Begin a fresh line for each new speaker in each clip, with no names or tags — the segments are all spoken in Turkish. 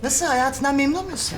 Nasıl, hayatından memnun musun?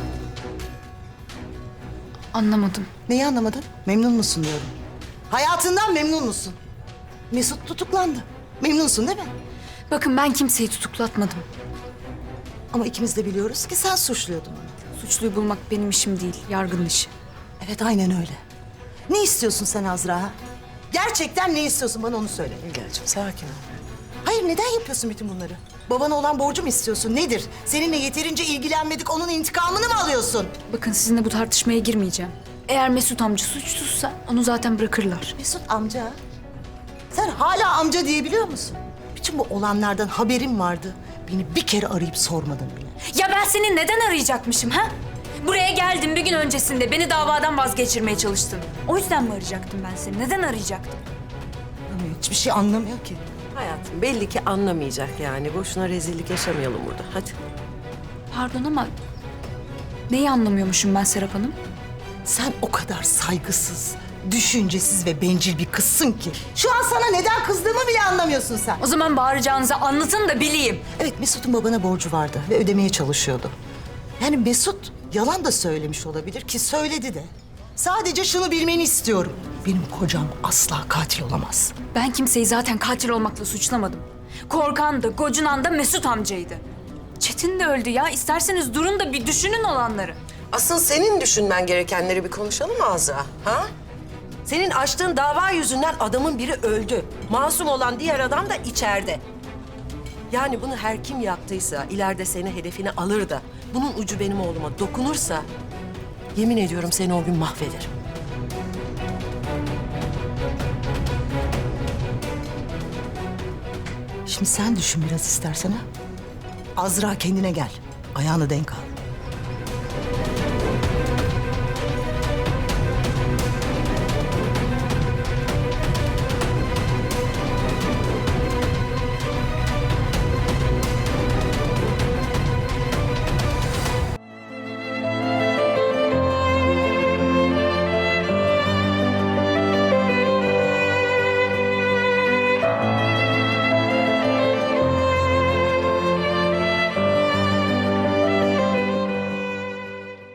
Anlamadım.
Neyi anlamadın? Memnun musun diyorum. Hayatından memnun musun? Mesut tutuklandı. Memnunsun değil mi?
Bakın ben kimseyi tutuklatmadım.
Ama ikimiz de biliyoruz ki sen suçluyordun onu.
Suçluyu bulmak benim işim değil, yargının işi.
Evet, aynen öyle. Ne istiyorsun sen Azra? Gerçekten ne istiyorsun, bana onu söyle.
Hülya'cığım sakin ol.
Hayır, neden yapıyorsun bütün bunları? Babana olan borcu mu istiyorsun? Nedir? Seninle yeterince ilgilenmedik, onun intikamını mı alıyorsun?
Bakın sizinle bu tartışmaya girmeyeceğim. Eğer Mesut amca suçsuzsa onu zaten bırakırlar.
Mesut amca. Sen hala amca diyebiliyor musun? Bütün bu olanlardan haberim vardı. Beni bir kere arayıp sormadın bile.
Ya ben seni neden arayacakmışım ha? Buraya geldim bir gün öncesinde beni davadan vazgeçirmeye çalıştın. O yüzden mi arayacaktım ben seni? Neden arayacaktım?
Anlamıyor, hiçbir şey anlamıyor ki.
Hayatım belli ki anlamayacak yani. Boşuna rezillik yaşamayalım burada. Hadi.
Pardon ama neyi anlamıyormuşum ben Serap Hanım?
Sen o kadar saygısız, düşüncesiz ve bencil bir kızsın ki. Şu an sana neden kızdığımı bile anlamıyorsun sen.
O zaman bağıracağınızı anlatın da bileyim.
Evet, Mesut'un babana borcu vardı ve ödemeye çalışıyordu. Yani Mesut yalan da söylemiş olabilir ki söyledi de. Sadece şunu bilmeni istiyorum. Benim kocam asla katil olamaz.
Ben kimseyi zaten katil olmakla suçlamadım. Korkan da, gocunan da Mesut amcaydı. Çetin de öldü ya. İsterseniz durun da bir düşünün olanları.
Asıl senin düşünmen gerekenleri bir konuşalım mı Azra? Ha? Senin açtığın dava yüzünden adamın biri öldü. Masum olan diğer adam da içeride. Yani bunu her kim yaptıysa ileride seni hedefine alır da bunun ucu benim oğluma dokunursa yemin ediyorum seni o gün mahvederim.
Şimdi sen düşün biraz istersen ha. Azra, kendine gel. Ayağını denk al.